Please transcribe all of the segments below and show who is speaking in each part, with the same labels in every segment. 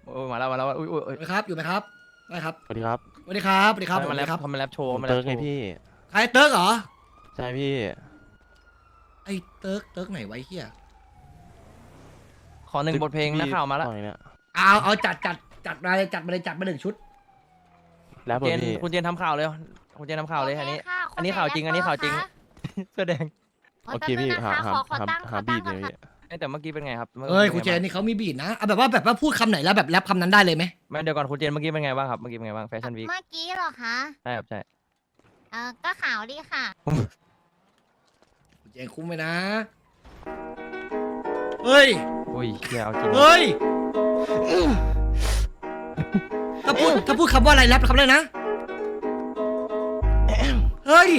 Speaker 1: โอ้ยมาแล้วมาแล้วอุ้ยอุ้ย
Speaker 2: สวัสดีครับอยู่ไหมครับได้ครับ
Speaker 3: สวัสดีครับ
Speaker 2: สวัสดีครับสวัสดีครับ
Speaker 1: ทำมาแรป
Speaker 2: ครับ
Speaker 1: ทำมาแรปโชว์มาแร
Speaker 3: เติ
Speaker 1: ป
Speaker 3: ร์ก
Speaker 1: โช
Speaker 3: ไง
Speaker 1: ว์
Speaker 3: พี่
Speaker 2: ใครเติร์กเหรอ
Speaker 3: ใช่พี่
Speaker 2: ไอ้เติร์กไหนไว้เฮีย
Speaker 1: ขอหนึ่งบทเพลงนักข่าวมาแล้ว
Speaker 3: ตอนนี้เนี่ย
Speaker 2: เอาจัดมาเลยจัดมาหนึ่งชุด
Speaker 3: แล้ว
Speaker 1: เจน
Speaker 3: พี่
Speaker 1: คุณเจนทำข่าวเลยคุณเจนทำข่าวเลยอันนี้
Speaker 4: โค่ะ
Speaker 1: อันนี้ข่าวจริงอันนี้ข่าวจริง เสื้อแดง
Speaker 3: โอเคพี่หา
Speaker 4: ขอตั้ง
Speaker 3: หาบีด
Speaker 4: ก่
Speaker 3: เล
Speaker 4: อน
Speaker 3: ย
Speaker 4: ค่ะ
Speaker 3: พี่
Speaker 1: แต่เมื่อกี้เป็นไงครับ
Speaker 2: เอ้ยคุณเจนนี่เขามีบีดนะเอาแบบว่าพูดคำไหนแล้วแบบแรปคำนั้นได้เลยไหม
Speaker 1: ไม่เดี๋ยวก่อนคุณเจนเมื่อกี้เป็นไงบ้างครับเมื่อกี้เป็นไงบ้างแฟชั่นวีค
Speaker 4: เมื่อกี้เหรอคะ
Speaker 1: ใช่ครับใช่
Speaker 4: ก็ขาวดีค่ะ
Speaker 2: คุณเจนคุ้มไหมนะเฮ้ย
Speaker 1: อุ้ยเฮียเอาจริง
Speaker 2: เฮ้ยถ้าพูดคำว่าอะไรแรปคำอะไรนะเฮ้ย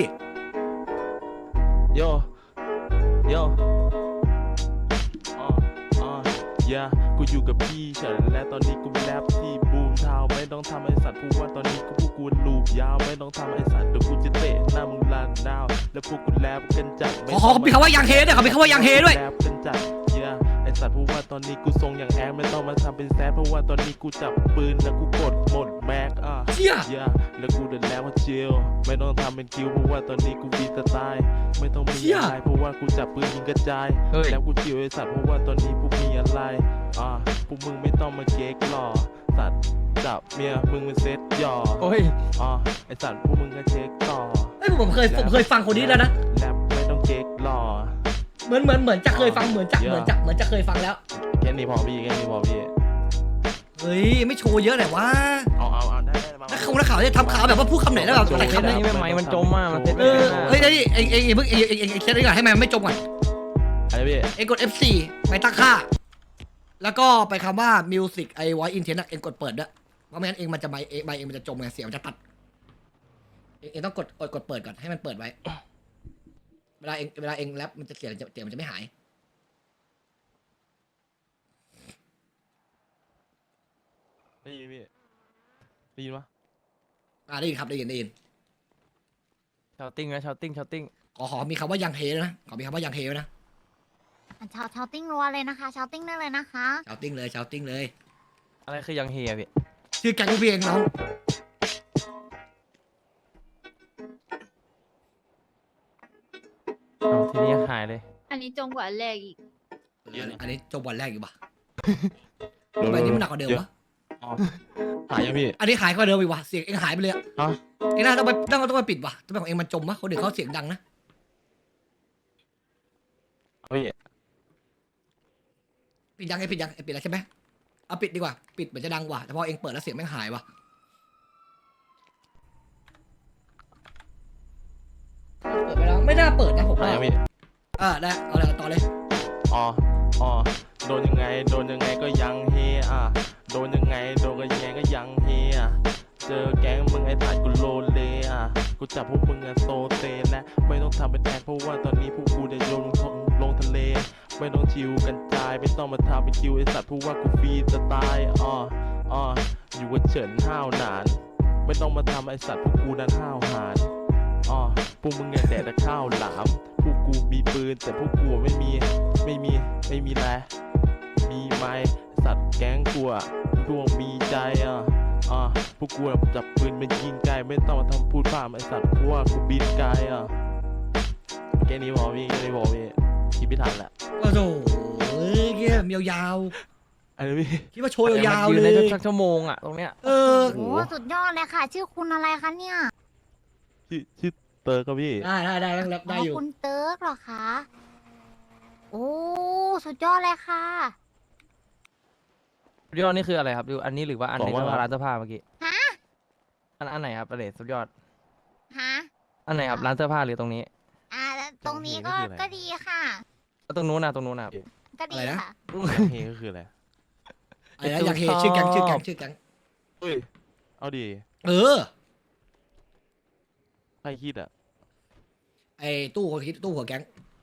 Speaker 3: โยโยอย่ากูอยู่กับพี่เฉินและตอนนี้กูแรปที่บูมทาวไม่ต้องทำไอสัตว์พูดว่าตอนนี้กูพวกกูลูบยาวไม่ต้องทำไอสัตว์เดี๋ยวกูจะเตะหน้ามึงลานดาวแล้วพวกกูแรปกันจัด
Speaker 2: ขอมีคำว่ายังเฮด้วยขอมีคำว่ายังเฮด้วย
Speaker 3: แรปกันจัดอย่าไอสัตว์พูดว่าตอนนี้กูทรงอย่างแอดไม่ต้องมาทำเป็นแซดเพราะว่าตอนนี้กูจับปืนแล้วกูกดหมดแม็ก
Speaker 2: เชี่ย
Speaker 3: อย่าแล้วกูเดินแล้วว่าเจลไม่ต้องทำเป็นคิวเพราะว่าตอนนี้กูฟีสไตล์ไม่ต้องมีอะไรเพราะว่ากูจับปืนยิงกระจาย
Speaker 1: เฮ้ย
Speaker 3: แล้วกูจิวไอสัตว์เพราะว่าตอนนี้พวกมีอะไรพวกมึงไม่ต้องมาเก๊กหล่อสัตว์จับเมียมึงเป็นเซ็ตหย่อ
Speaker 1: โอ้ย
Speaker 3: ไอสัตว์พวกมึงก็เช็คต่อ
Speaker 2: เอ้ยผมเคยฟังคนนี้แล้วนะ
Speaker 3: แรปไม่ต้องเก๊กหล่อ
Speaker 2: เหมือนจะเคยฟังเหมือนจะเคยฟังแล้ว
Speaker 3: แค่นี้พอพี่แค่นี้พอพี่
Speaker 2: เฮ้ยไม่โชว์เยอะหน่อยวะ
Speaker 3: เอาได้มา
Speaker 2: นักข่าวจะทำข่าวแบบว่าพูดคำไหนแล้วแบบอะไร
Speaker 1: เฮ้ย
Speaker 2: คำไหน
Speaker 1: นี่ไม่มันจมอ่ะมันเซ็ต
Speaker 2: เอ
Speaker 1: ไม่
Speaker 2: อ
Speaker 1: ได้นะ
Speaker 2: เฮ้ยนี่เองเพิ่งเองเช็ดดีกว่าให้มันไม่จมก่อน
Speaker 3: อะไรพี่
Speaker 2: เองกด F4 ไปตั้งค่า แล้วก็ไปคำว่า music ไอ้ voice intent เองกดเปิดด้วยเพราะไม่งั้นเองมันจะไมค์เองมันจะจมไงเสียงมันจะตัดเองต้องกดเปิดก่อนให้มันเปิดไว้ เวลาเองแรปมันจะเสียงมันจะไม่หาย
Speaker 3: ได้ยินพี่ได้ยินปะ
Speaker 2: ได้ยินครับได้ยิน
Speaker 1: ชาวติ้งนะชาวติ้งชาวติ้ง
Speaker 2: ขอมีคำว่ายังเฮด้วยนะขอมีคำว่ายังเฮด้วยนะ
Speaker 4: ชาวติ้งรัวเลยนะคะ ชาวติ้งได้เลยนะคะ
Speaker 2: ชาวติ้งเลย
Speaker 1: อะไรคือยังเฮียพี่
Speaker 2: ชื่อแก๊งพี่เองน้อง
Speaker 1: เอาทีนี้หายเลย
Speaker 5: อันนี้จงกว่าอันแรกอีก
Speaker 2: อันนี้จบวันแรกอยู่ปะ
Speaker 3: เดี๋ยว
Speaker 2: ทำไมนี่มันหนักกว่าเดิมวะ
Speaker 3: หายยังพี่
Speaker 2: อันนี้หายกว่าเดิมอีกวะเสียงเองหายไปเลยอะ
Speaker 3: ฮะ
Speaker 2: เองน่าต้องไปปิดวะทำไมของเองมันจมวะคนอื่นเขาเสียงดังนะ
Speaker 3: พี่
Speaker 2: ปิดยังปิดแล้วใช่ไหมเอาปิดดีกว่าปิดเหมือนจะดังกว่าแต่พอเองเปิดแล้วเสียงแม่งหายวะเปิดไปแล้วไม่น่าเปิดนะผม
Speaker 3: หาย
Speaker 2: ว่า
Speaker 3: ยังพี่
Speaker 2: ได้เอาเลยต่อเลย
Speaker 3: อ๋อโดนยังไงก็ยังเฮโดนยังไงก็ยังเฮเจอแก๊งมึงไอ้ตายกูโลเลกูจับพวกมึงโซเซและไม่ต้องทำเป็นแอคเพราะว่าตอนนี้พวกกูได้โยนลงทะเลไม่ต้องชิวกันจายไม่ต้องมาทำเป็นคิวไอ้สัตว์เพราะว่ากูฟรีสไตล์อยู่กับเฉินห้าวหนานไม่ต้องมาทำไอ้สัตว์พวกกูนั้นห้าวหานพวกมึงเนี่ยแดดแต่ข้าวหลามพวกกูมีปืนแต่พวกกูไม่มีแลมีไม้สัตว์แก๊งกูดวงมีใจพวกกูจับปืนเป็นยิงไกลไม่ต้องมาทำพูดพร่ำไอสัตว์เพราะว่ากูบินไกลแค่นี้พอพี่คิดไม่ทันแหละ
Speaker 2: โอ้โหเงี้ยยาว
Speaker 3: อะไรพี่
Speaker 2: ๆคิดว่าโชว์ยาวๆ
Speaker 1: ยืน
Speaker 2: เล
Speaker 1: ได้
Speaker 2: ย
Speaker 1: สักชั่วโมงอ่ะตรงเนี้ย
Speaker 2: เออ
Speaker 4: โอ้สุดยอดเลยค่ะ ชื่อคุณอะไรคะเนี่ย
Speaker 3: ชื่อเตอร์ครับพี่
Speaker 2: ได้แรปได้อยู่
Speaker 4: คุณเติร์กเหรอคะ โอ้สุดยอดเลยค่ะ
Speaker 1: สุดยอดนี่คืออะไรครับดูอันนี้หรือว่าอัน
Speaker 3: บอก
Speaker 1: นี้
Speaker 3: ว่า
Speaker 1: ร้านเสื้อผ้าเมื่อกี้
Speaker 4: ฮะ
Speaker 1: อันไหนครับอะไรสุดยอด
Speaker 4: ฮะ
Speaker 1: อันไหนครับร้านเสื้อผ้าหรือตรงนี้
Speaker 4: แล้วตรงนี้ก็ดีค่ะ
Speaker 1: แล้วตรงนู้นนะตรงนู้นนะ
Speaker 4: ก็ดีค่ะ
Speaker 3: เฮก็คืออะไร
Speaker 2: อะไรนะอยากเฮชื่อแก๊ง
Speaker 3: เฮ้ยเอาดี
Speaker 2: เออ
Speaker 3: ใครคิด
Speaker 2: ไอ้ตู้คนคิดตู้หัวแก๊ง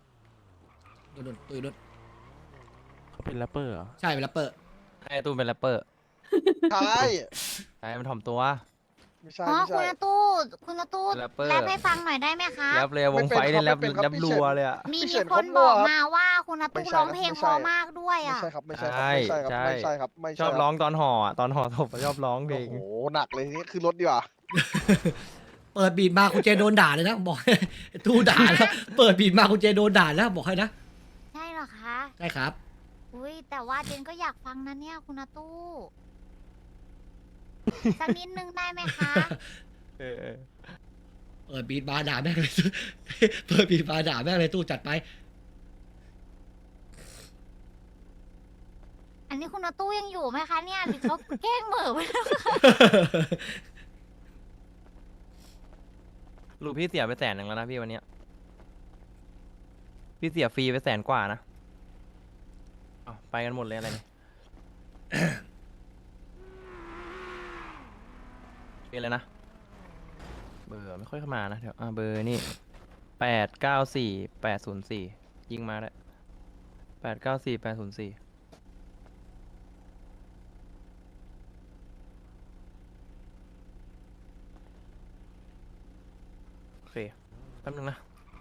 Speaker 2: ตู้
Speaker 3: เขาเป็นแรปเปอร์เหรอ
Speaker 2: ใช่เป็นแรปเปอร์
Speaker 1: ไอ้ตูนเป็นแรปเปอร์
Speaker 6: ใช่
Speaker 1: ใช่มันถ่อมตัว
Speaker 5: ไม่ใช่
Speaker 4: อ๋อ
Speaker 5: ไม่
Speaker 4: คุณ
Speaker 5: ใช่
Speaker 4: อาตู้คุณอาตู้
Speaker 1: แรปเปอร์
Speaker 4: แรปให้ฟังหน่อยได้ไหมคะ
Speaker 1: แรปเลยวงไฟเนี่ยแรป
Speaker 5: ไม่เป็นครับ
Speaker 1: แรปรัวเลยอะ
Speaker 4: มี
Speaker 5: พี่
Speaker 4: มี
Speaker 5: เฉิน
Speaker 4: คน
Speaker 5: เขามั่
Speaker 4: บ
Speaker 5: ว
Speaker 4: อก
Speaker 5: ครับ
Speaker 4: มาว่าคุณอาตู้
Speaker 5: ไม่ใช่
Speaker 4: ร้อง
Speaker 5: ครับ
Speaker 4: เพลง
Speaker 5: ไม่
Speaker 4: เพ
Speaker 5: ใช่
Speaker 4: ราะมากด้วย
Speaker 5: ไม่
Speaker 4: อ่ะ
Speaker 5: ใช่ครับไม่ใช่ครับไม่ใช่ครับไม่ใช่ครับไม่
Speaker 1: ช
Speaker 5: ใช่
Speaker 1: อบร้องตอนห่ออะตอนห่อศพอะชอบร้องเพล
Speaker 5: โอ้
Speaker 1: ง
Speaker 5: โหหนักเลยทีนี้คือรถดีกว่า
Speaker 2: เปิดบีดมาคุณเจโดนด่าเลยนะบอก ตู้ด่าแล้วเปิดบีดมาคุณเจโดนด่าแล้วบอกให้นะ
Speaker 4: ใช่เหรอคะ
Speaker 2: ใช่ครับ
Speaker 4: อุ้ยแต่ว่าเจนก็อยากฟังนะเนี่ยคุณอาตู้สักนิดนึงได้ไหมคะ
Speaker 1: เออ
Speaker 2: เปิดบีดมาด่าแม่งเลย เปิดบีดมาด่าแม่งเลยตู้จัดไป
Speaker 4: อันนี้คุณอาตู้ยังอยู่ไหมคะเนี่ยหรือเขาแกล้งเหม่อไปแล้ว
Speaker 1: ลูกพี่เสียไป100,000แล้วนะพี่วันเนี้ยพี่เสียฟรีไป100,000 กว่านะเอาไปกันหมดเลยอะไรเนี่ย เป็นเลยนะ เบอร์ไม่ค่อยเข้ามานะเดี๋ยวเบอร์นี่894804ยิงมาได้894804โอเคแป๊บนึงนะ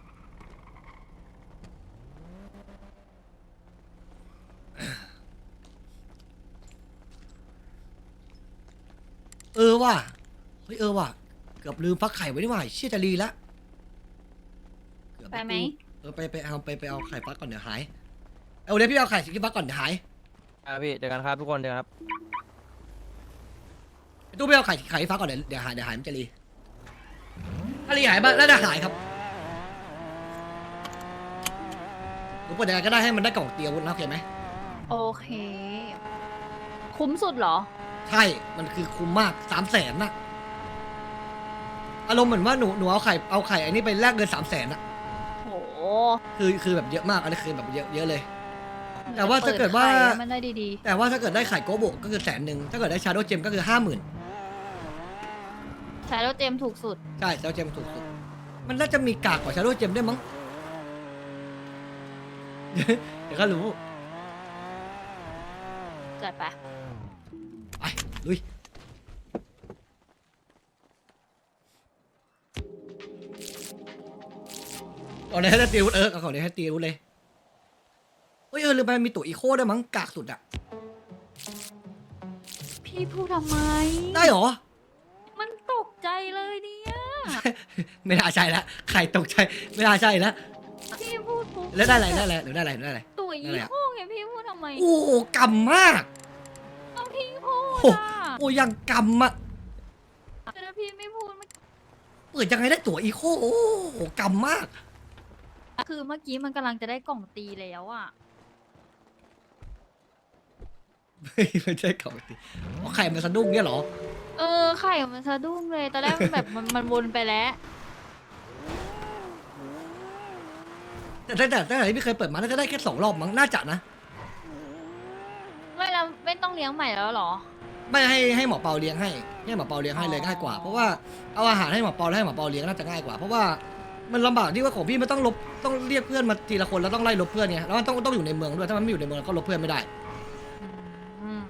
Speaker 2: เออว่ะเฮ้ยเออว่ะเกือบลืมฟักไข่ไว้นี่หว่าเชี่ยจะรีละเกือบ
Speaker 6: ไปไหม
Speaker 2: ไปเอาไข่ฟักก่อนเดี๋ยวหายเอาเดี๋ยวพี่เอาไข่สิฟักก่อนเดี๋ยวหาย
Speaker 1: พี่เจอกันครับทุกคนเจอกันครับ
Speaker 2: ไอ้ตู้ไม่เอาไข่ฟักก่อนเดี๋ยวหายมันจะรีถ้ารีหายบ้างแล้วจะหายครับหรือเปิดยังไงก็ได้ให้มันได้กล่องเตียวุ้นนะโอเคไหม
Speaker 6: โอเค คุ้มสุดเหรอ
Speaker 2: ใช่มันคือคุ้มมาก300,000นะอารมณ์เหมือนว่าหนูเอาไข่อันนี้ไปแลกเงิน300,000นะ
Speaker 6: โห
Speaker 2: คือแบบเยอะมากอันนี้คือแบบเยอะเลย แต่ว่าถ้าเกิดว่า
Speaker 6: ปิไข่ให้มันได้ดี
Speaker 2: แต่ว่าถ้าเกิดได้ไข่โกโบก็คือ100,000ถ้าเกิดได้ชาโดว์เจมก็คือ50,000
Speaker 6: ๆ ใช้แล้วเจมถูกสุด
Speaker 2: ใช่ชาโดว์เจมถูกสุดมันน่าจะมีกากกว่าชาโดว์เจมได้วยมั้ง เดี๋ยวก็รู้
Speaker 6: จัดไป
Speaker 2: ไปลุยเอาเลยให้ตีวุ้นเอาของเลยให้ตีวุ้นเลยเฮ้ยลืมไปมันมีตัวอีโคด้วยมั้งกากสุดอะ
Speaker 6: พี่พูดทำไม
Speaker 2: ได้เหรอ
Speaker 6: มันตกใจเลยเนี่ย
Speaker 2: ไม่น่าใช่ละไข่ตกใจไม่น่าใช่ละ
Speaker 6: พี่พูดปุ๊บ
Speaker 2: แล้วได้อะไรหรือได้อะไร
Speaker 6: ตัว
Speaker 2: ได้
Speaker 6: ยี่
Speaker 2: อะไรอะ
Speaker 6: ห้อไงพี่พูดทำไม
Speaker 2: โอ้โหกำมาก
Speaker 6: เอาพี่พูด
Speaker 2: โอ้
Speaker 6: อ่ะ
Speaker 2: โอ้ยังกำอะ
Speaker 6: แต่ถ้าพี่ไม่พูดมัน
Speaker 2: เปิดยังไงได้ตัวอีโคโอ้โหกำมาก
Speaker 6: คือเมื่อกี้มันกำลังจะได้กล่องตีแล้วอ่ะ
Speaker 2: ไม่ใช่กล่องตีเอาไข่มาสะดุ้งเนี่ยเหรอ
Speaker 6: เออไข่มันสะดุ้งเลยตอนแรกมันแบบมันวนไปแล้ว
Speaker 2: แต่ตั้งแต่ที่พี่เคยเปิดมาน่าจะได้แค่2 รอบมั้งน่าจะนะ
Speaker 6: ไม่แล้วไม่ต้องเลี้ยงใหม่แล้วเหรอ
Speaker 2: ไม่ให้หมอเปาเลี้ยงให้หมอเปาเลี้ยงให้เลยง่ายกว่าเพราะว่าเอาอาหารให้หมอเปาแล้วให้หมอเปาเลี้ยงน่าจะง่ายกว่าเพราะว่ามันลำบากที่ว่าของพี่มันต้องเรียกเพื่อนมาทีละคนแล้วต้องไล่ลบเพื่อนไงแล้วมันต้องอยู่ในเมืองด้วยถ้ามันไม่อยู่ในเมืองก็ลบเพื่อนไม่ได้
Speaker 6: อืม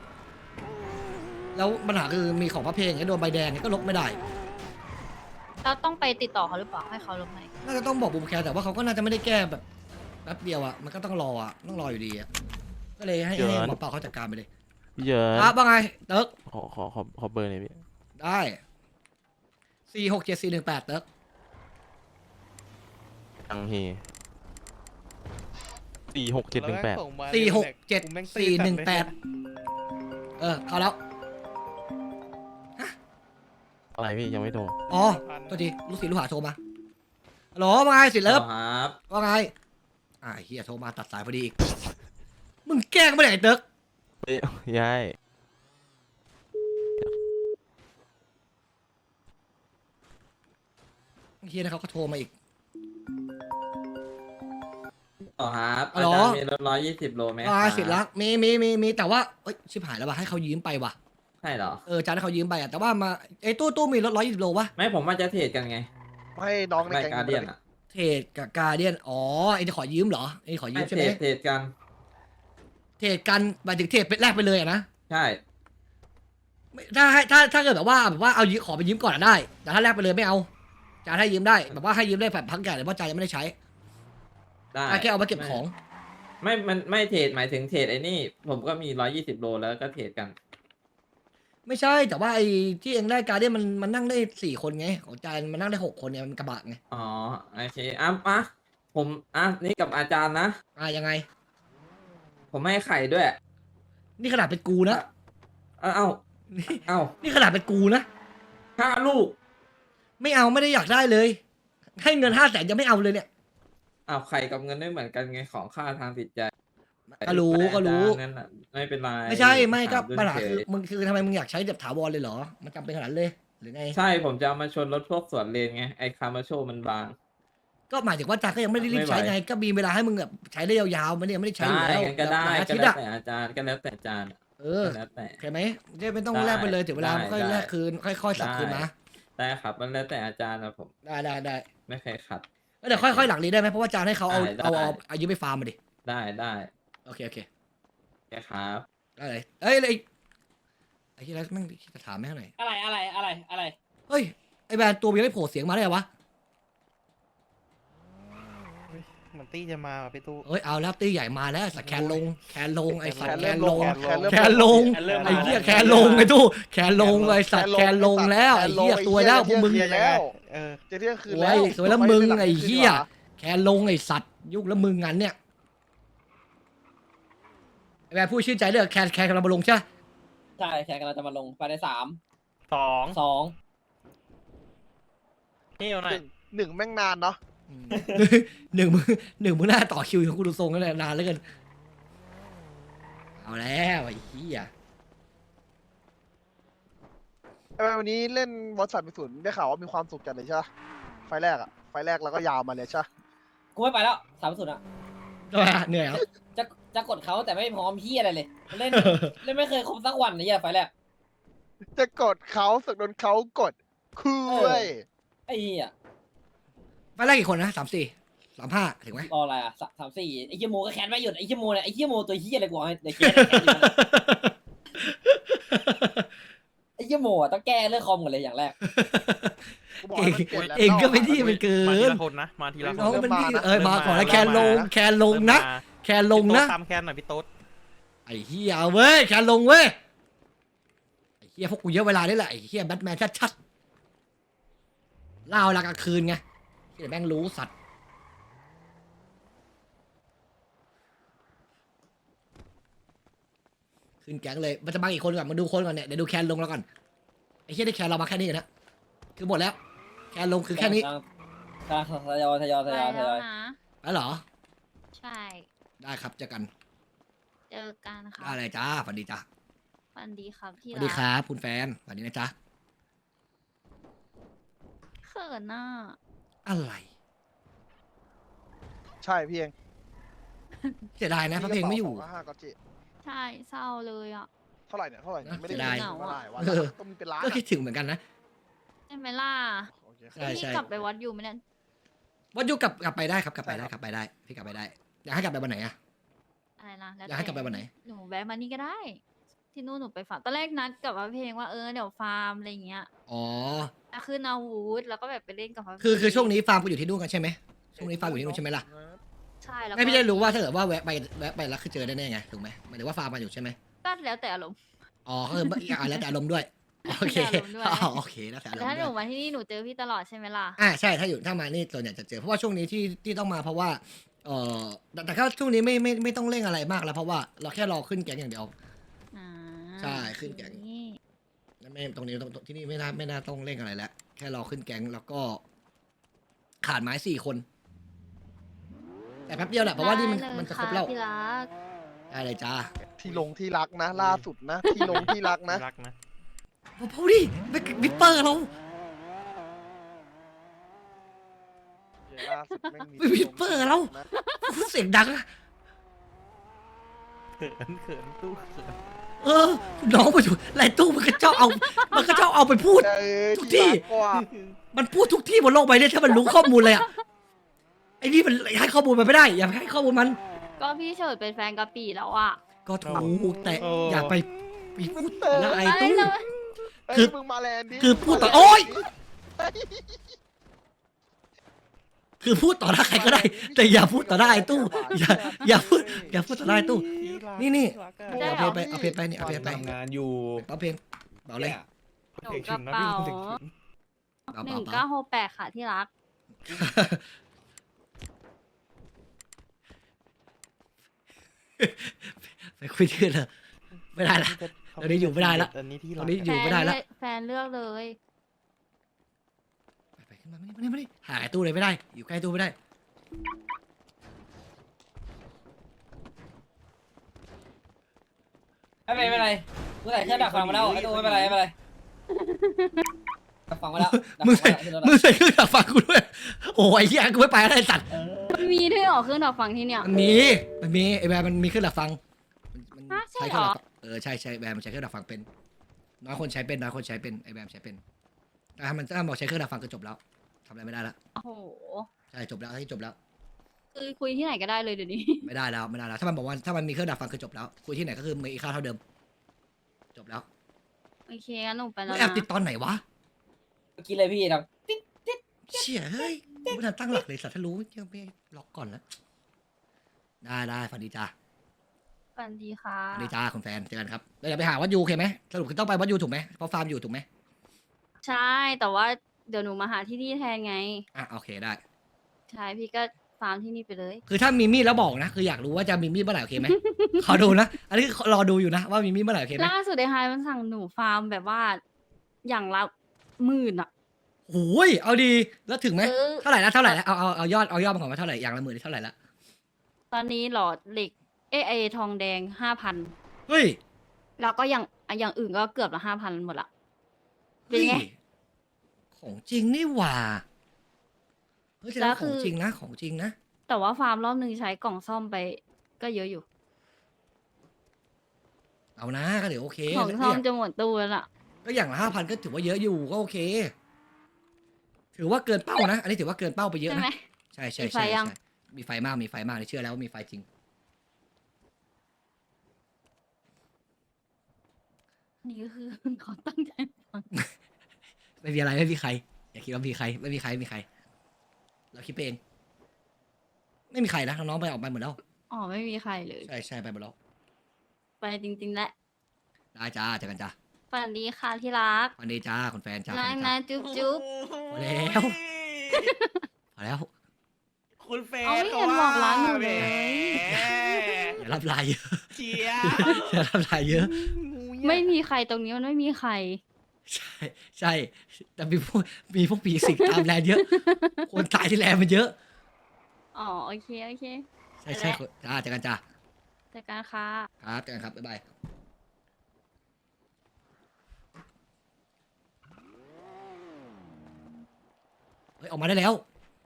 Speaker 2: แล้วปัญหาคือมีของพระเพลงโดนใบแดงก็ลบไม่ได้
Speaker 6: แล้วต้องไปติดต่อเขาหรือเปล่าให้เขาลงไหม
Speaker 2: น่าจะต้องบอกบูมแคร์แต่ว่าเขาก็น่าจะไม่ได้แก้แบบแป๊บเดียวอะมันก็ต้องรออยู่ดีอะก็เลยให้หมอเปาเขาจัดการไปเลย
Speaker 3: พี่เยิน
Speaker 2: ครับว่าไงเติร์ก
Speaker 3: ขอเบอร์หน่อยพี่
Speaker 2: ได้467-418เติร์ก
Speaker 3: ยังเฮ467118
Speaker 2: 467-418เข้าแล้ว
Speaker 3: อะไรพี่ยังไม่โทร
Speaker 2: อ๋อตัวทีลูกศิษย์ลูกหาโทรมาฮัลโหลว่าไงสิเลิฟ
Speaker 7: ครับ
Speaker 2: ว่าไงเฮียโทรมาตัดสายพอดีอีกมึงแกล้งไม่ได้ไอ้เติร์ก
Speaker 3: เฮ้ยยาย
Speaker 2: เฮียนะเขาก็โทรมาอีก
Speaker 7: ต่อครับ
Speaker 2: ฮัล
Speaker 7: อา
Speaker 2: โหล
Speaker 7: จารย์มีรถ120 โลไหม
Speaker 2: ว่า
Speaker 7: ครับ
Speaker 2: สิรักมีแต่ว่าเอ้ยชิบหายแล้วว่ะให้เขายืมไปว่ะ
Speaker 7: ใช่เหรอ
Speaker 2: จานให้เขายืมไปอะแต่ว่ามาไอ้ตู้มีรถ120 โลวะ
Speaker 7: ไม่ผมว่าจะเทรดกันไง
Speaker 5: ไม่น้องใน
Speaker 7: ไม่
Speaker 5: แก๊ง
Speaker 7: การเดียนอ่ะ
Speaker 2: เทรดกับการเดียนอ๋อไอ้จะขอยืมเหรอไอ้ขอยื
Speaker 7: ไม่
Speaker 2: มใช่
Speaker 7: เท
Speaker 2: ไห
Speaker 7: ร
Speaker 2: ม
Speaker 7: ดเทรดกัน
Speaker 2: เทรดกันหมายถึงเทรดเป็นแรกไปเลยอะนะ
Speaker 7: ใช่
Speaker 2: ถ้าเกิดแบบว่าเอายืมขอไปยืมก่อนอะได้ แต่ถ้าแลกไปเลยไม่เอาจ่ายให้ยืมได้แบบว่าให้ยืมได้แบบพักใหญ่เลยเพราะจ่ายยังไม่ได้ใช้
Speaker 7: ได้
Speaker 2: แค่เอามาเก็บของ
Speaker 7: มันไม่เทรดหมายถึงเทรดไอ้นี่ ผมก็มี120 โลแล้วก็เทรดกัน
Speaker 2: ไม่ใช่แต่ว่าไอ้ที่เองได้การ์เดียนมันนั่งได้4 คนไงของจ่ายมันนั่งได้6 คนเนี่ยมันกระบะไง
Speaker 7: อ๋อโอเคผมนี่กับอาจารย์นะ
Speaker 2: ยังไง
Speaker 7: ผมให้ไข่ด้วย
Speaker 2: นี่ขนาดเป็นกูนะ
Speaker 7: เอ้า
Speaker 2: นี่
Speaker 7: เอ้า
Speaker 2: นี่ขนาดเป็นกูนะ
Speaker 7: 5 ลูก
Speaker 2: ไม่เอาไม่ได้อยากได้เลย ให้เงิน500,000ยังไม่เอาเลยเนี่ย
Speaker 7: อ้าวไข่กับเงินไม่เหมือนกันไงของค่าทางจิตใจ
Speaker 2: ก็รู้
Speaker 7: แต่
Speaker 2: ก็รู้
Speaker 7: อาจารย์นั่นน่ะไม่เป็นไร
Speaker 2: ไม่ใช่ไม่ก็
Speaker 7: ถาม
Speaker 2: ปัญหา
Speaker 7: เฉ
Speaker 2: คือย มึงคือทำไมมึงอยากใช้แบบถาวรเลยเหรอ มันจำเป็นขนาดนั้นเลยหรือไง
Speaker 7: ใช่ผมจะเอามาชนรถพวกสวนเลนไงไอ้คาร์มาโชมันบาง
Speaker 2: ก็หมายถึงว่าจ่าก็ยังไม่ได้รีบใช้ไง ก็มีเวลาให้มึงแบบใช้ได้ยาวๆมันเนี่ยไม่ได้ใช้อยู่
Speaker 7: ได้
Speaker 2: แล้ว
Speaker 7: งั้นก็ได้
Speaker 2: หลายอา
Speaker 7: ก็
Speaker 2: ทิตย์
Speaker 7: แล้ว
Speaker 2: อะ
Speaker 7: แต่อาจารย์ก็แล้วแต่อาจารย์
Speaker 2: เออ
Speaker 7: ก็แล้วแต่
Speaker 2: เข้าไหมไม่ต้อง
Speaker 7: ได้
Speaker 2: แลกไปเลยถึงเวลา
Speaker 7: ได้
Speaker 2: ค่อย
Speaker 7: ได้
Speaker 2: แลกคืนค่อยๆสับคืนมา
Speaker 7: ได้ครับมันแล้วแต่อาจารย์นะผม
Speaker 2: ได้
Speaker 7: ไม่เคยขัด
Speaker 2: เดี๋ยวค่อยๆหลังนี้ได้ไหมเพราะว่าจานให้เขาเอา
Speaker 7: ได้
Speaker 2: เอายืมไปฟาร์มมาดิ
Speaker 7: ได้
Speaker 2: โอเค
Speaker 7: โอเคครับ
Speaker 2: ได้เลยเอ้ยไอ้ที่แล้วแม่งจะถามแม่งหน่อย
Speaker 8: อะไร
Speaker 2: เฮ้ยไอ้แบรนด์ตัวมันยังไม่โผล่เสียงมาได้เหรอวะ
Speaker 3: มันตี้จะมาพี่ตู้
Speaker 2: เอ้ยเอาแล้วตีใหญ่มาแล้วสัตว์แคนลงไอ้สัตว์แคนลง
Speaker 5: แคนเริ่ม
Speaker 2: ไอ้เหี้ยแคนลงไอ้ตู้แคนลงไอ้สัตว์แคนลงแล้วไอ้เหี้ยตัวแล้วพวกมึง
Speaker 5: แล้ว
Speaker 3: เออ
Speaker 5: จะเที่ยงคืน
Speaker 2: โอ้
Speaker 5: แล้ว
Speaker 2: ยสวยแล้วมึงไอ้เหี้ยแคนลงไอ้สัตว์ยุคแล้วมึงงั้นเนี่ยไอ้แบรนด์พูดชื่นใจเลยแคนกำลังมาลงใช่
Speaker 8: ใช่แขกกำลังจะมาลงภายใน3
Speaker 3: 2
Speaker 8: 2
Speaker 3: นี่เอาหน่อย
Speaker 5: หนึ่งแม่งนานเนาะ
Speaker 2: หนึ่งมึงน่าต่อคิวของกูดูทรงกันนานแล้วกันเอาแล้วไอ้เหี้ย
Speaker 5: วันนี้เล่นวอตสันไปศูนย์ได้ข่าวว่ามีความสุขจัดเลยใช่ปะไฟแรกแล้วก็ยาวมาเลยใช่ปะ
Speaker 8: กูไม่ไปแล้ว3-0อ่ะ
Speaker 2: ทำไมอะเหนื่อยเหรอ
Speaker 8: จะกดเขาแต่ไม่พร้อมพี่อะไรเลย เล่น ไม่เคยครบสักวันเลยไฟแรก
Speaker 5: จะกดเขาสึกโดนเขากดคือเว้ย
Speaker 8: ไอ้เหี้ย
Speaker 2: ไปแรกกี่คนนะ35ถึงไหม
Speaker 8: รออะไรอ่ะ3-4ไอ้เหี้ยโมก็แคนไม่หยุดไอ้เหี้ยโมเนี่ยไอ้เหี้ยโมตัวเหี้ยอะไรกูเอาให้เดี๋ยวแคนไอ้เหี้ยโมอ่ะต้องแก้เรื่องคอมก่อนเลยอย่างแรก
Speaker 5: กูบอกให้มันเปลี่ยนแล้ว
Speaker 2: เองก็ไม่ที่มันเกิ
Speaker 3: มาที
Speaker 2: น
Speaker 3: ละคนนะ มาทีละค
Speaker 2: น้อง
Speaker 3: น
Speaker 2: มันนี่
Speaker 5: เริ่มมานะ
Speaker 2: มาก่อนแล้วแคนลงนะแคนลงนะ
Speaker 3: ตามแคนหน่อยพี่โต๊ด
Speaker 2: ไอ้เฮียเอาเว้ยแคนลงเว้ยไอ้เฮียพวกกูเยอะเวลานี่แหละไอ้เฮียแบทแมนชัดๆเล่าเวลากลางคืนไงที่แม่งรู้สัตว์ขึ้นแก๊งเลยมันจะมาอีกคนก่อนมาดูคนก่อนเนี่ยเดี๋ยวดูแคนลงแล้วก่อนไอ้เฮียได้แคนเรามาแค่นี้กันนะคือหมดแล้วแคนลงคือแค่นี้
Speaker 8: ทยอย
Speaker 6: ไปแล้วนะ
Speaker 2: แล้วเหรอ
Speaker 6: ใช่
Speaker 2: ได้ครับเจอกัน
Speaker 6: เจอกันค่ะ
Speaker 2: อะไรจ้าสวัสดีจ้า
Speaker 6: วันดีครับ
Speaker 2: ส
Speaker 6: ที่
Speaker 2: วัสดีครับคุณแฟนสวัสดีนะจ๊ะ
Speaker 6: เขินน่ะ
Speaker 2: อะไร
Speaker 5: ใช่พี่เอง
Speaker 2: เสียดายนะพระเพลงไม่อยู่
Speaker 5: 5ก็จิ
Speaker 6: ใช่เศร้าเลยอ่ะ
Speaker 5: เท่าไหร่เนี่ยไม่ได้
Speaker 2: เสียดาย
Speaker 5: เท่าไหร่วะ
Speaker 2: เออ
Speaker 5: ต้องมีเป็นล้าน
Speaker 2: ก็คิดถึงเหมือนกันนะ
Speaker 6: ใช่ไหมล่ะ
Speaker 5: โอเค
Speaker 2: ใช่
Speaker 6: พี่กลับไปวัดอยู่ไหมเนี่ย
Speaker 2: วัดยุกลับไปได้ครับกลับไปได้พี่กลับไปได้อยากให้กลับไปวันไหนอะ
Speaker 6: อะไรนะแล้ว
Speaker 2: อยากให้กลับไปวันไหน
Speaker 6: หนูแวะมานี่ก็ได้ ที่นู่นหนูไปฟาร์มตอนแรกนัดกับพระเพลงว่าเดี๋ยวฟาร์มอะไรเงี้ย
Speaker 2: อ๋อ
Speaker 6: จะขึ้นอาวุธแล้วก็แบบไปเล่นกับพระเพลง
Speaker 2: คือช่วงนี้ฟาร์มกูอยู่ที่นู่นกันใช่ไหมช่วงนี้ฟาร์มอยู่ที่นู่นใช่ไหมล่ะ
Speaker 6: ใช่แล้ว
Speaker 2: ไม่
Speaker 6: ก็
Speaker 2: พี่ได้รู้ว่าถ้าเกิดว่าแวะไปแล้วคือเจอได้แน่ไงถูกไหมหมายถึงว่าฟาร์มมาอยู่ใช่ไหม
Speaker 6: ก็แล้วแต่อารมณ์
Speaker 2: อ๋อคือแล้วแต่อารมณ์ด้วยโอเค
Speaker 6: แล้วแต่อารมณ์ด้วย
Speaker 2: อ๋อโอเคแล้วแต่อาร
Speaker 6: แต่
Speaker 2: ม
Speaker 6: ถ้า
Speaker 2: ณ์
Speaker 6: ห
Speaker 2: ด้
Speaker 6: นู
Speaker 2: วย
Speaker 6: มาที่นี่หนูเจอพี่ตลอดใช่ไหมล่ะ
Speaker 2: ใช่ถ้ามานี่ส่วนใหญ่จะเจอเพราะว่าช่วงนี้ที่ต้องมาเพราะว่าแต่ก็ช่วงนี้ไม่ต้องเร่งอะไรมากแล้วเพราะว่าเราแค่รอขึ้นแก๊งอย่างเดียว
Speaker 6: อ่า
Speaker 2: ใช่ขึ้นแก๊ง
Speaker 6: นี่
Speaker 2: ไม่ตรงนี้ที่นี่ไม่น่าต้องเร่งอะไรแล้วแค่รอขึ้นแก๊งแล้วก็ขาดไม้4 คน แต่แป๊บเดียวแหละเพราะว่านี่มันจะครบแล้ว
Speaker 6: ได้เยค่ะพี่รัก
Speaker 2: ได้เลยจ้า
Speaker 5: ที่ลงที่รักนะ ล่าสุดนะ ที่ลงที่รักนะ
Speaker 3: รักนะ
Speaker 2: พอดิวิปเปอร์เรา
Speaker 5: ล่าสุดแม่งมี
Speaker 2: วิปเปอร์เราพูดเสียงดังอะ
Speaker 3: เขินตู้เขิน
Speaker 2: น้องมาอยู่ไรตู้มันก็ชอบเอาไปพูด ทุกที่
Speaker 5: กว่า
Speaker 2: มันพูดทุกที่บนโลกใบนี้ถ้ามันรู้ข้อมูลเลยอะไอ้นี่มันให้ข้อมูลมันไม่ได้ อย่าให้ข้อมูลมัน
Speaker 6: ก็พี่เฉิดเป็นแฟนกะปีแล้วอ่ะ
Speaker 2: ก็ถูกแต่อย่าไปพูดละไอ้
Speaker 6: ไม่
Speaker 2: ตู้
Speaker 6: แล้ว
Speaker 5: เฮ้ย
Speaker 2: คือ
Speaker 5: มึงมาแลนด์ดิ
Speaker 2: คือพูดต่อ
Speaker 5: มาแลนด์
Speaker 2: โอ๊ย
Speaker 5: ดิ
Speaker 2: คือพูดต่อหน้าใครก็ได้ แต่อย่าพูดต่อหน้าไอ้ตู้อย่าพูดต่อหน้าไอ้ตู้ นี่เอาเพลงไปนี่เอาเพลงไป
Speaker 9: ทำงานอยู่
Speaker 2: เอาเพลงเบาเลย
Speaker 6: หนูกระเป๋า 1968ค่ะที่รัก
Speaker 2: ไปคุยที่อื่นเลยไม่ได้ละ ตอนนี้อยู่ไม่ได้ละ
Speaker 9: อันนี้ที่
Speaker 2: ต
Speaker 9: รั
Speaker 2: อก นนี้อยู่ไม่ได้ละ
Speaker 6: แฟนเลือกเลย
Speaker 2: ไปขึ้นมาไม่ได้หาไอ้ตู้เลยไม่ได้ อยู่ใกล้ตู้ไม่ได้
Speaker 8: ไม่เป็นไรเมื่อไหร่เครื่องดักฟังมาแล้วไอ้ตัวไม่เป็นไรดักฟังมาแล้ว
Speaker 2: มึงใส่เครื่องดักฟังกูด้วย โอ้ยเหี้ยกูไม่ไปแล้วไอ้สัตว์
Speaker 6: มันมีด้วยเหรอเครื่องดักฟังที่เนี่ย
Speaker 2: มันมีไอ้แบร์มันมีเครื่องดักฟังมัน
Speaker 6: ฮะใช่
Speaker 2: ใช้เค
Speaker 6: เหร
Speaker 2: รื่อง
Speaker 6: อ
Speaker 2: ดักฟังใช่แบร์มันใช้เครื่องดักฟังเป็นน้อยคนใช้เป็นไอ้แบร์ใช้เป็นแต่ถ้ามันบอกใช้เครื่องดักฟังก็จบแล้วทำอะไรไม่ได้ละ
Speaker 6: โอ้โห
Speaker 2: ใช่จบแล้วที่จบแล้ว
Speaker 6: คือคุยที่ไหนก็ได้เลยเดี๋ยวนี้
Speaker 2: ไม่ได้แล้วถ้ามันบอกว่าถ้ามันมีเครื่องดักฟังคือจบแล้วคุยที่ไหนก็คือมีค่าเท่าเดิม จบแล้ว
Speaker 6: โอเคงั้นหนูไปแล้ว
Speaker 2: แอบ
Speaker 6: นะ
Speaker 2: ติดตอนไหนวะ
Speaker 8: เมื่อกี้เลยพี่ครับ
Speaker 2: เชี่ยเฮ้ยกูไม่ทันตั้งหลักเลยสัตว์ถ้ารู้ยังไม่ล็อกก่อนแล้วได้ฝันดีจ้า
Speaker 6: ฝันดีค่ะ
Speaker 2: ฝันดีจ้าคุณแฟนเจอกันครับแล้วเดี๋ยวไปหาวัดยูโอเคไหมสรุปคือต้องไปวัดยูถูกไหมเพราะฟาร์มอยู่ถูกไหม
Speaker 6: ใช่แต่ว่าเดี๋ยวหนูมาหาที่นี่แทนไง
Speaker 2: อ่ะโอเคได้
Speaker 6: ใช่พี่ก็ฟาร์มที่นี่ไปเลย
Speaker 2: คือถ้ามีมีดแล้วบอกนะ คืออยากรู้ว่าจะมีมีดเมื่อไหร่โอเคไหม ขอดูนะ อันนี้รอดูอยู่นะว่ามีมีดเมื่อไหร่โอเคไหม
Speaker 6: ล่าสุดไอ้ไฮมันสั่งหนูฟาร์มแบบว่าอย่างละ10,000อะ
Speaker 2: โอ้ยเอาดีแล้วถึงไหม
Speaker 6: เออ
Speaker 2: เท่าไหร่แล้วเอายอดมาก่อนว่าเท่าไหร่อย่างละหมื่นเท่าไหร่ละ
Speaker 6: ตอนนี้หลอดเหล็กไอทองแดง5,000
Speaker 2: เฮ้ย
Speaker 6: แล้วก็อย่างอื่นก็เกือบละ5,000หมดละเป็นไง
Speaker 2: ฮ้ยของจริงนี่หว่าเฮ้ยแสดงว่าของจริงนะของจริงนะ
Speaker 6: แต่ว่าฟาร์มรอบหนึ่งใช้กล่องซ่อมไปก็เยอะอยู่
Speaker 2: เอานะก็เดี๋ยวโอเค
Speaker 6: ของซ่อมจะหมดตู้แล้วล่ะ
Speaker 2: ก็อย่างละ5,000ก็ถือว่าเยอะอยู่ก็โอเค ถือว่าเกินเป้านะ อันนี้ถือว่าเกินเป้าไปเยอะ
Speaker 6: ใช่
Speaker 2: นะ
Speaker 6: ไหม
Speaker 2: ใช่
Speaker 6: มีไฟยัง
Speaker 2: มีไฟมากเชื่อแล้วว่ามีไฟจริง
Speaker 6: นี่ก็คือ เขาตั้งใจฟัง
Speaker 2: ไม่มีอะไรไม่มีใครอย่าคิดว่ามีใครไม่มีใครเราคิดไปเอง ไม่มีใครนะน้องๆไปออกไปหมดแล้ว
Speaker 6: อ๋อไม่มีใครเลย
Speaker 2: ใช่ไปหมดแล้ว
Speaker 6: ไปจริงๆแหละ
Speaker 2: ได้จ้าเจอกันจ้า
Speaker 6: ฝันดีค่ะที่รัก
Speaker 2: วันนี้จ้าคุณแฟนจ้า
Speaker 6: นะนะจุ๊บจุ๊บ
Speaker 2: พอแล้วพอแล้ว
Speaker 9: คุณแฟน
Speaker 6: เอาไม่เห็นบอกร้านหนูเลย
Speaker 2: อย่ารับลายเยอะ
Speaker 9: เชีย
Speaker 2: อย่ารับลายเยอะ
Speaker 6: ไม่มีใครตรงนี้มันไม่มีใคร
Speaker 2: ใช่แต่มีพวกปีสิกตามแลนด์เยอะ คนตายที่แลนด์มันเยอะ
Speaker 6: อ๋อโอเคโอเค
Speaker 2: ใช่จ้าเจอกันจ้า
Speaker 6: เจอกันค่ะ
Speaker 2: ครับเจอกันครับบ๊ายบายเฮ้ยออกมาได้แล้ว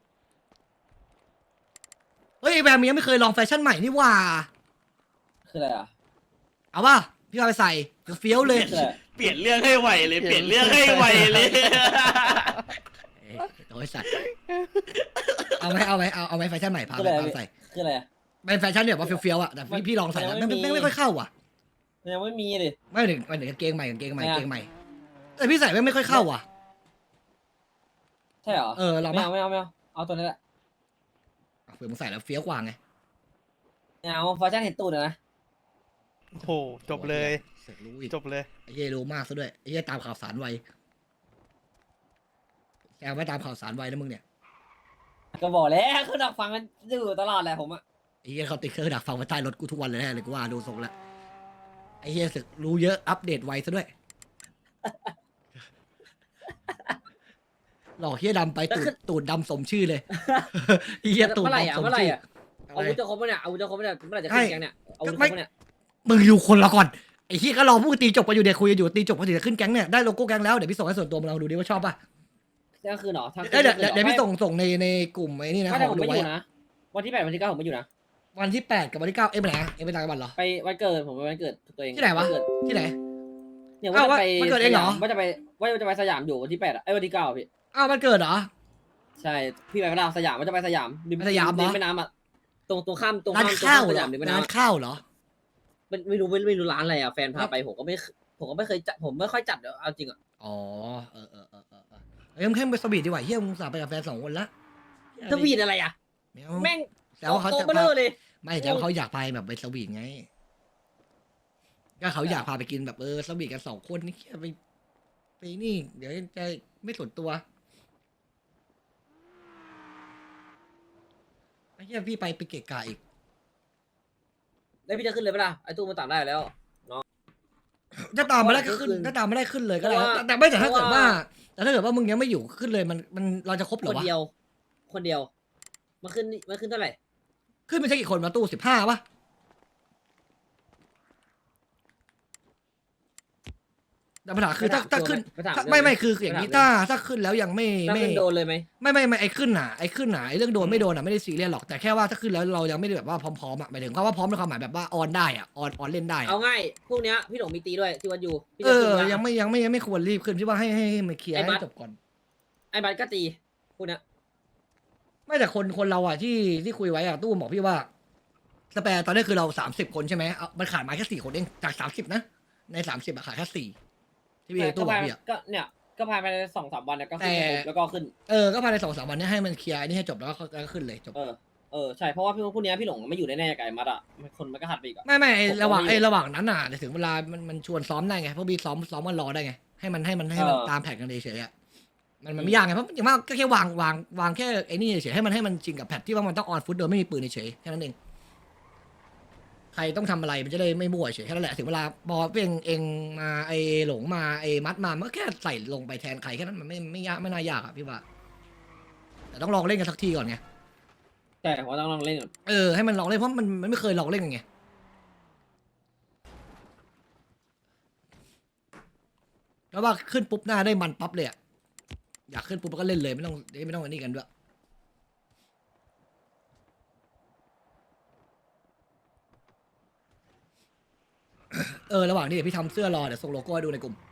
Speaker 2: เฮ้ยไอ้แบมยังไม่เคยลองแฟชั่นใหม่นี่หว่า
Speaker 8: คืออะไรอ่ะ
Speaker 2: เอาป่ะพี่เอาไปใส่เฟี้ยวเลย
Speaker 8: คืออะไร
Speaker 9: เปลี่ยนเรื่องให้ไวเลย เปลี่ยนเรื่องให้ไวเลย
Speaker 2: เอ้ยโอ้ยสัตว์เอาไหมแฟชั่นใหม่พาไปใส่
Speaker 8: คืออะไรอ่ะ
Speaker 2: เป็นแฟชั่นเนี่ยว่าเฟี้ยวๆอ่ะแต่พี่ลองใส่แล้วไม่ค่อยเข้าอ่ะ
Speaker 8: มันยังไม่มีเลย
Speaker 2: ไม่ถึงกางเกงใหม่แต่พี่ใส่ไม่ค่อยเข้าอ่ะ
Speaker 8: ใช่เหรอ
Speaker 2: ลอง
Speaker 8: ไม่
Speaker 2: ป่ะ
Speaker 8: เอาเอาตัวนี้แหละ
Speaker 2: เผื่อมึงใส่แล้วเฟี้ยวกว่าไง
Speaker 8: ไม่เอาแฟชั่นเห็นตูดนะ
Speaker 9: โอ้โหจบเลย
Speaker 2: เสร็จรู้อีก
Speaker 9: จบเลย
Speaker 2: ไอ้เหี้ยรู้มากซะด้วยไอ้เหี้ยตามข่าวสารไวแกไม่ตามข่าวสารไวนะมึงเนี่ย
Speaker 8: ก็บอกแล้วคือดักฟังมันอยู่ตลอดแหละผมอ่ะ
Speaker 2: ไอ้เหี้ยเขาติดเครื่องดักฟังไว้ใต้รถกูทุกวันเลยแน่เลยกูว่าดูทรงแล้วไอ้เหี้ยสึกรู้เยอะอัปเดตไวซะด้วย หลอกเหี้ยดำไปตูดดำสมชื่อเลย เหี้ยตูด
Speaker 8: เมื่อไหร่
Speaker 2: ดำ
Speaker 8: อ่ะ
Speaker 2: สม
Speaker 8: เมื่อไหร่
Speaker 2: ชื่อ
Speaker 8: อ่ะอาวุธจะครบปะเนี่ยอาวุธจะครบปะเนี่ยเมื่อไหร่จะขึ้นแกงเนี่ยอาวุธจะครบปะเนี่ย
Speaker 2: มึงอยู่คนละก่อนไอ้เหี้ยก็รอพวกตีจบกันอยู่เดี๋ยวคุยกันอยู่ตีจบกันถึงจะขึ้นแก๊งเนี่ยได้โลโก้แก๊งแล้วเดี๋ยวพี่ส่งให้ส่วนตัวมึงลองดูดิว่าชอบป่ะ
Speaker 8: เที่ยงคืนเหรอ
Speaker 2: เดี๋ยวพี่ส่งในกลุ่มไอ้นี่นะ
Speaker 8: ไม่
Speaker 2: ข
Speaker 8: แต่
Speaker 2: อง
Speaker 8: ผม
Speaker 2: ดู
Speaker 8: ไม่
Speaker 2: ไว้
Speaker 8: อยู่นะวันที่8วันที่9ผมไม่อยู่นะ
Speaker 2: วันที่8กับวันที่9ไปไหนอะไปต่างจังหวัดเหรอ
Speaker 8: ไปวันเกิดผมไปวันเกิดตัวเอง
Speaker 2: ที่ไหนวะ
Speaker 8: เกิด
Speaker 2: ที่ไหน
Speaker 8: เนี่ยว่าจะไป
Speaker 2: วันเกิดเองเหรอ
Speaker 8: ว่าจะไปสยามอยู่วันที่8อ่ะไอ้วันที่9พี่
Speaker 2: อ้าวมันเกิดเหรอ
Speaker 8: ใช่พี่ไปเวลาสยามว่าจะไปสยามริ
Speaker 2: สยามเหรอ
Speaker 8: แม่น้ำอ่ะตรงข้าม
Speaker 2: ร้านข้าว
Speaker 8: ส
Speaker 2: เหร
Speaker 8: ยา
Speaker 2: อ
Speaker 8: มริมแม่
Speaker 2: ร้าน
Speaker 8: น้ำ
Speaker 2: ข้าวเหรอ
Speaker 8: ไม่รู้ร้านอะไรอ่ะแฟนพาไปผมก็ไม่เคยจัดผมไม่ค่อยจัดเดี๋ยวเอาจริงอ่ะ
Speaker 2: อ๋อเออเอ้ยมึงแค่ไปสวีทดีกว่าเฮียมึงสาไปกับแฟน2 คนละ
Speaker 8: ทวีตอะไรอ่ะ
Speaker 2: ไม่เอา
Speaker 8: แม่ง
Speaker 2: แต่ว่าเขา
Speaker 8: โต
Speaker 2: จะ
Speaker 8: เบลอเลย
Speaker 2: ไม่แต่ว่าเขาอยากไปแบบไปสวีทไงก็เขาอยากพาไปกินแบบสวีทกัน2 คนนี่เฮียไปนี่ เดี๋ยวจะไม่ส่วนตัวไอ้เฮียพี่ไปเกะกะอีก
Speaker 8: แล้วพี่จะขึ้นเลยปะล่ะไอ้ตู้มันต่างได้แล้ว
Speaker 2: จะตามไม่ได้ก็ขึ้นถ้าตามไม่ได้ขึ้นเลยก็ได้
Speaker 8: เพราะว่า
Speaker 2: แต่ไม่แต่ถ้าเกิด
Speaker 8: เพราะ
Speaker 2: ว่า
Speaker 8: ว่า
Speaker 2: แต่ถ้าเกิดว่ามึงยังไม่อยู่ขึ้นเลยมันเราจะครบเหร
Speaker 8: ค
Speaker 2: อน วะ
Speaker 8: เดียว คนเดียวมาขึ้นเท่าไหร่
Speaker 2: ขึ้นไปใช่กี่คนมาตู้15ปะแต่ปัญหาคือถ้าขึ้น
Speaker 8: ไปถาม
Speaker 2: ถ้า
Speaker 8: เรื่อง
Speaker 2: ไม่
Speaker 8: ไหม
Speaker 2: คืออย่างนี้
Speaker 8: ไปถาม
Speaker 2: ถ้าขึ้นแล้วยังไม่
Speaker 8: ถ้า
Speaker 2: ไม่
Speaker 8: ขึ้นโดนเลยไหม
Speaker 2: ไม่ไอ้ขึ้นหนาไอ้เรื่องโดนไม่โดนอ่ะไม่ได้ซีเรียสหรอกแต่แค่ว่าถ้าขึ้นแล้วเรายังไม่ได้แบบว่าพร้อมๆอ่ะหมายถึงว่าพร้อมในความหมายแบบว่าออนได้อ่ะออนเล่นได้
Speaker 8: เอา
Speaker 2: อะ
Speaker 8: ง่ายพวกเนี้ยพี่หลงมีตีด้วยที่วัดอยู่พี่
Speaker 2: เอ
Speaker 8: จะขึ้
Speaker 2: อน
Speaker 8: ปะ
Speaker 2: ยังไม่ควรรีบขึ้นที่ว่าให้มันเคลียร์
Speaker 8: ไอ้บั
Speaker 2: ให้
Speaker 8: ส
Speaker 2: จบก่อน
Speaker 8: ไอ้บัตรก็ตีพวกเนี้ย
Speaker 2: ไม่แต่คนเราอ่ะที่คุยไว้อ่ะตู้บอกพี่ว่าสแปร์ตอนนี้คือเรา30 คนใช่ไหมเอามันขาดมาแค่4 คนเองจาก30นะใน30อะขาดแค่4ที่พี่ตู้บอกพี่อ่ะ
Speaker 8: ก็เนี่ยก็ภายใน2-3 วันเนี่ยก็ขึ้น
Speaker 2: แต่
Speaker 8: ครบแล้วก็ขึ้น
Speaker 2: ก็ภายใน2-3 วันเนี้ให้มันเคลียร์อันนี้ให้จบแล้วก็ขึ้นเลยจบ
Speaker 8: ใช่เพราะว่าพี่พวกเนี้ยพี่หลงไม่อยู่แน่ๆกับไอ้มัดอ่ะคนมันก็หัดไปอีกอ่ะ
Speaker 2: ไม่ไอ้
Speaker 8: ผม
Speaker 2: ระหว่าง
Speaker 8: ก็ไม่
Speaker 2: ไอ้ระหว่างนั้นอ่ะเดี๋ยวถึงเวลามันชวนซ้อมได้ไงเพราะบีซ้อมมันรอได้ไงให้มันตามแผนกันเฉยๆอ่ะมันไม่ยากไงเพราะอย่างมากก็แค่วางแค่ไอ้นี่เฉยๆให้มันจริงกับแพทที่ว่ามันต้องออนฟุตโดยไม่มีปืนเฉยๆแค่นั้นเองใครต้องทำอะไรมันจะได้ไม่มั่วเฉยแค่นั้นแหละถึงเวลาพอเองมาไอ้หลงมาไอ้มัดมามันก็แค่ใส่ลงไปแทนใครแค่นั้นมันไม่ยากไม่น่ายากอ่ะพี่ว่าแต่ต้องลองเล่นกันสักทีก่อนไง
Speaker 8: ใช่เพราะต้องลองเล่นก่อน
Speaker 2: ให้มันลองเล่นเพราะมันไม่เคยลองเล่นกันไงแล้วว่าขึ้นปุ๊บหน้าได้มันปั๊บเลยอะอยากขึ้นปุ๊บก็เล่นเลยไม่ต้องอันนี้กันด้วยระหว่างนี้เดี๋ยวพี่ทำเสื้อรอเดี๋ยวส่งโลโก้ให้ดูในกลุ่ม